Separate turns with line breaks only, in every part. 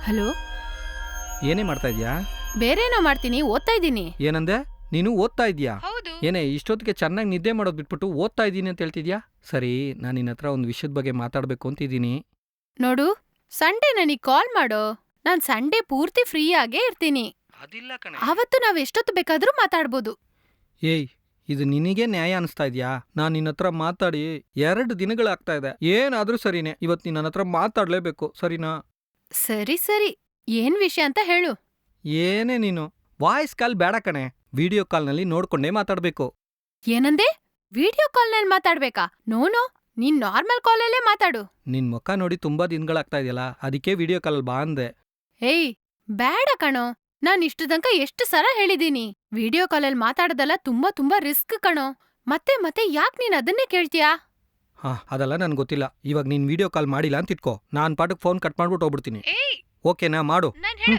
Hello,
ಏನೇ ಮಾಡ್ತಾ ಇದೀಯಾ?
ಬೇರೇನೋ ಮಾಡ್ತೀನಿ, ಓದ್ತಾ ಇದ್ದೀನಿ.
ಏನಂದೆ? ನೀನು ಓದ್ತಾ ಇದೀಯಾ?
ಹೌದು.
ಏನೇ ಇಷ್ಟೊತ್ತಿಗೆ ಚೆನ್ನಾಗಿ ನಿದ್ದೆ ಮಾಡೋದು ಬಿಟ್ಬಿಟ್ಟು ಓದ್ತಾ ಇದ್ದೀನಿ ಅಂತ ಹೇಳ್ತಿದ್ಯಾ? ಸರಿ, ನಾನು ನಿನ್ನ ಹತ್ರ ಒಂದು ವಿಷಯದ ಬಗ್ಗೆ ಮಾತಾಡಬೇಕು ಅಂತಿದ್ದೀನಿ.
ನೋಡು, ಸಂಡೇ ನನಗ್ ಕಾಲ್ ಮಾಡೋ. ನಾನ್ ಸಂಡೇ ಪೂರ್ತಿ ಫ್ರೀ ಆಗೇ ಇರ್ತೀನಿ.
ಅದಿಲ್ಲ ಕಣೆ.
ಆವತ್ತು ನಾವ್ ಎಷ್ಟೊತ್ತು ಬೇಕಾದ್ರೂ ಮಾತಾಡ್ಬೋದು.
ಏಯ್, ಇದು ನಿನಗೆ ನ್ಯಾಯ ಅನಿಸ್ತಾ ಇದೆಯಾ? ನಾನು ನಿನ್ನ ಹತ್ರ ಮಾತಾಡಿ 2 ದಿನಗಳಾಗ್ತಾ ಇದೆ. ಏನಾದ್ರೂ ಸರಿನೇ, ಇವತ್ತು ನೀನು ನನ್ನ ಹತ್ರ ಮಾತಾಡಲೇಬೇಕು, ಸರಿನಾ?
ಸರಿ ಸರಿ, ಏನ್ ವಿಷಯ ಅಂತ ಹೇಳು.
ಏನೇ ನೀನು ವಾಯ್ಸ್ ಕಾಲ್ ಬೇಡ ಕಣೆ, ವಿಡಿಯೋ ಕಾಲ್ನಲ್ಲಿ ನೋಡ್ಕೊಂಡೇ ಮಾತಾಡಬೇಕು.
ಏನಂದೆ? ವಿಡಿಯೋ ಕಾಲ್ನಲ್ಲಿ ಮಾತಾಡ್ಬೇಕಾ? ನೋನೋ, ನೀನ್ ನಾರ್ಮಲ್ ಕಾಲಲ್ಲೇ ಮಾತಾಡು.
ನಿನ್ ಮುಖ ನೋಡಿ ತುಂಬಾ ದಿನಗಳಾಗ್ತಾ ಇದೆಯಲ್ಲ, ಅದಕ್ಕೆ ವಿಡಿಯೋ ಕಾಲ್ ಬಾ ಅಂದೆ.
ಏಯ್, ಬೇಡ ಕಣೋ. ನಾನ್ ಇಷ್ಟು ತನಕ ಎಷ್ಟು ಸಲ ಹೇಳಿದೀನಿ, ವಿಡಿಯೋ ಕಾಲಲ್ಲಿ ಮಾತಾಡೋದಲ್ಲ ತುಂಬಾ ತುಂಬಾ ರಿಸ್ಕ್ ಕಣೋ. ಮತ್ತೆ ಮತ್ತೆ ಯಾಕ್ ನೀನ್ ಅದನ್ನೇ ಕೇಳ್ತೀಯಾ?
ಅದೆಲ್ಲ ನನ್ಗೆ ಗೊತ್ತಿಲ್ಲ. ಇವಾಗ ನೀನ್ ವಿಡಿಯೋ ಕಾಲ್ ಮಾಡಿಲ್ಲ ಅಂತ ಇಟ್ಕೋ, ನಾನ್ ಪಾಠಕ್ಕೆ ಫೋನ್ ಕಟ್ ಮಾಡ್ಬಿಟ್ಟು ಹೋಗ್ಬಿಡ್ತೀನಿ.
ಏಯ್,
ಓಕೆನಾ? ಮಾಡು.
ನಾನ್ ಹೇಳ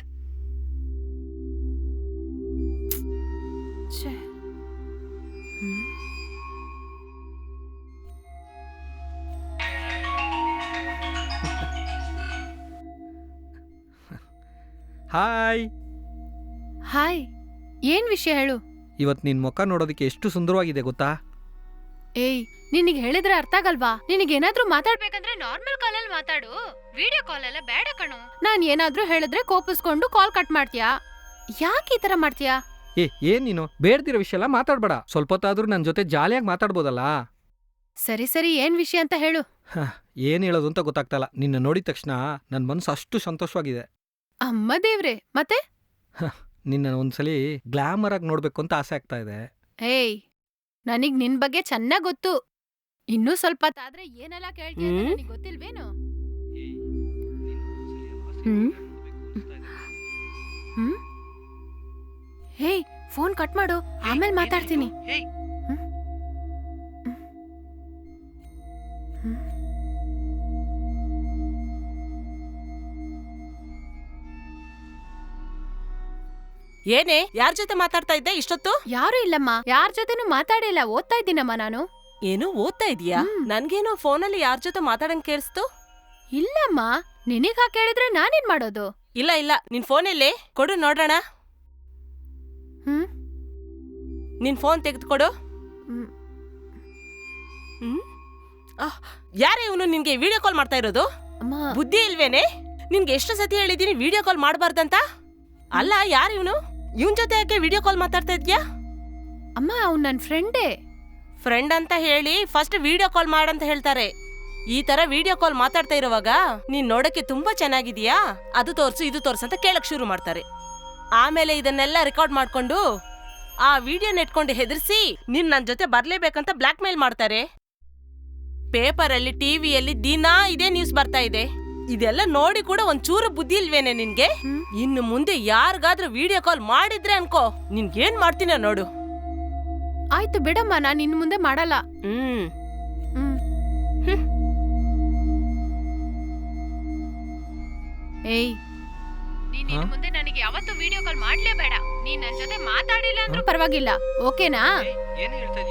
ಛೆ.
ಹಾಯ್.
ಹಾಯ್, ಏನ್ ವಿಷಯ ಹೇಳು.
ಇವತ್ ನಿನ್ ಮುಖ ನೋಡೋದಕ್ಕೆ ಎಷ್ಟು ಸುಂದರವಾಗಿದೆ ಗೊತ್ತಾ?
ಏಯ್, ನಿನಗ್ ಹೇಳಿದ್ರೆ ಅರ್ಥ ಆಗಲ್ವಾ? ನಿನಗೇನಾದ್ರೂ ಮಾತಾಡ್ಬೇಕಂದ್ರೆ ನಾರ್ಮಲ್ ಕಾಲಲ್ಲಿ ಮಾತಾಡು, ವಿಡಿಯೋ ಕಾಲ್ ಎಲ್ಲ ಬೇಡ ಕಣೋ. ನಾನ್ ಏನಾದ್ರೂ ಹೇಳಿದ್ರೆ ಕೋಪಿಸ್ಕೊಂಡು ಕಾಲ್ ಕಟ್ ಮಾಡ್ತೀಯಾ? ಯಾಕೆ ಈ ತರ ಮಾಡ್ತೀಯಾ?
ಏನ್ ನೀನು ಬೇಡ್ದಿರೋ ವಿಷಯ ಎಲ್ಲ ಮಾತಾಡ್ಬೇಡ. ಸ್ವಲ್ಪ ಹೊತ್ತಾದ್ರೂ ನನ್ ಜೊತೆ ಜಾಲಿಯಾಗಿ ಮಾತಾಡ್ಬೋದಲ್ಲ?
ಸರಿ ಸರಿ, ಏನ್ ವಿಷಯ ಅಂತ ಹೇಳು.
ಏನ್ ಹೇಳೋದು ಅಂತ ಗೊತ್ತಾಗ್ತಲ್ಲ. ನಿನ್ನ ನೋಡಿದ ತಕ್ಷಣ ನನ್ ಮನ್ಸು ಅಷ್ಟು ಸಂತೋಷವಾಗಿದೆ.
ಅಮ್ಮ ದೇವ್ರೆ, ಮತ್ತೆ?
ನಿನ್ನ ಒಂದ್ಸಲಿ ಗ್ಲಾಮರ್ ಆಗಿ ನೋಡ್ಬೇಕು ಅಂತ ಆಸೆ ಆಗ್ತಾ ಇದೆ.
ಏಯ್, ನನಗ್ ನಿನ್ ಬಗ್ಗೆ ಚೆನ್ನಾಗ್ ಗೊತ್ತು. ಇನ್ನೂ ಸ್ವಲ್ಪ ತಾದ್ರೆ ಏನೆಲ್ಲ ಕೇಳ್ತೀಯ ಅಂತ ನನಗ್ ಗೊತ್ತಿಲ್ವೇನು? ಹ್ಮ್? ಹ್ಮ್? ಹೇಯ್, ಫೋನ್ ಕಟ್ ಮಾಡು, ಆಮೇಲೆ ಮಾತಾಡ್ತೀನಿ. ಹ್ಮ್? ಹ್ಮ್?
ಏನೇ, ಯಾರ ಜೊತೆ ಮಾತಾಡ್ತಾ ಇದ್ದೆ ಇಷ್ಟೊತ್ತು?
ಯಾರು ಇಲ್ಲಮ್ಮ, ಯಾರ ಜೊತೆನೂ ಮಾತಾಡಿಲ್ಲ, ಓದ್ತಾ ಇದ್ದೀನಮ್ಮ ನಾನು.
ಏನು ಓದ್ತಾ ಇದೀಯಾ? ನನ್ಗೇನೋ ಫೋನಲ್ಲಿ ಯಾರ ಜೊತೆ ಮಾತಾಡಂಗ್ ಕೇಳಿಸ್ತು.
ಇಲ್ಲಮ್ಮ, ನಿನಗ್ ಹಾಗೆ ಕೇಳಿದ್ರೆ ನಾನೇನ್ ಮಾಡೋದು?
ಇಲ್ಲ ಇಲ್ಲ, ನಿನ್ ಫೋನಲ್ಲಿ ಕೊಡು ನೋಡೋಣ.
ಹ್ಮ್?
ನಿನ್ ಫೋನ್ ತೆಗೆದುಕೊಡು.
ಹ್ಮ್.
ಹ್ಮ್? ಯಾರೇ ಇವನು ನಿನ್ಗೆ ವಿಡಿಯೋ ಕಾಲ್ ಮಾಡ್ತಾ ಇರೋದು?
ಅಮ್ಮ,
ಬುದ್ಧಿ ಇಲ್ವೇನೆ? ನಿನ್ಗೆ ಎಷ್ಟು ಸತಿ ಹೇಳಿದೀನಿ ವಿಡಿಯೋ ಕಾಲ್ ಮಾಡಬಾರ್ದಂತ? ಅಲ್ಲ, ಯಾರು ಇವನು? ಇವನ್ ಜೊತೆ ಯಾಕೆ ವಿಡಿಯೋ ಕಾಲ್ ಮಾತಾಡ್ತಾ ಇದ್ಯಾ?
ಅಮ್ಮ, ಅವ್ನ್ ನನ್ ಫ್ರೆಂಡೇ.
ಫ್ರೆಂಡ್ ಅಂತ ಹೇಳಿ ಫಸ್ಟ್ ವಿಡಿಯೋ ಕಾಲ್ ಮಾಡಂತ ಹೇಳ್ತಾರೆ. ಈ ತರ ವಿಡಿಯೋ ಕಾಲ್ ಮಾತಾಡ್ತಾ ಇರುವಾಗ ನೀನ್ ನೋಡಕ್ಕೆ ತುಂಬಾ ಚೆನ್ನಾಗಿದೀಯಾ, ಅದು ತೋರ್ಸು ಇದು ತೋರ್ಸು ಅಂತ ಕೇಳಕ್ ಶುರು ಮಾಡ್ತಾರೆ. ಆಮೇಲೆ ಇದನ್ನೆಲ್ಲ ರೆಕಾರ್ಡ್ ಮಾಡ್ಕೊಂಡು ಆ ವಿಡಿಯೋ ನೆಟ್ಕೊಂಡು ಹೆದರ್ಸಿ ನೀನ್ ನನ್ ಜೊತೆ ಬರ್ಲೇಬೇಕಂತ ಬ್ಲಾಕ್ ಮೇಲ್ ಮಾಡ್ತಾರೆ. ಪೇಪರಲ್ಲಿ ಟಿವಿಯಲ್ಲಿ ದಿನಾ ಇದೇ ನ್ಯೂಸ್ ಬರ್ತಾ ಇದೆ. ಇದೆಲ್ಲ ನೋಡಿ ಕೂಡ ಒಂಚೂರು ಬುದ್ಧಿ ಇಲ್ವೇನೆ ನಿನ್ಗೆ? ಇನ್ನು ಮುಂದೆ ಯಾರಿಗಾದ್ರೂ ವಿಡಿಯೋ ಕಾಲ್ ಮಾಡಿದ್ರೆ ಅನ್ಕೋ, ನಿನ್ಗೇನ್ ಮಾಡ್ತೀನ ನೋಡು.
ಆಯ್ತು ಬಿಡಮ್ಮ, ನಾನ್ ಇನ್ ಮುಂದೆ ಮಾಡಲ್ಲ.
ಹ್ಮ್.
ಏಯ್, ನೀನ್ ಇನ್ನು ಮುಂದೆ ನನಗೆ ಯಾವತ್ತೂ ವಿಡಿಯೋ ಕಾಲ್ ಮಾಡ್ಲೇಬೇಡ. ನೀನ್ ನನ್ ಜೊತೆ ಮಾತಾಡಿಲ್ಲ ಅಂದ್ರೂ ಪರವಾಗಿಲ್ಲ, ಓಕೆನಾ?
ಏನೇ ಹೇಳ್ತಾ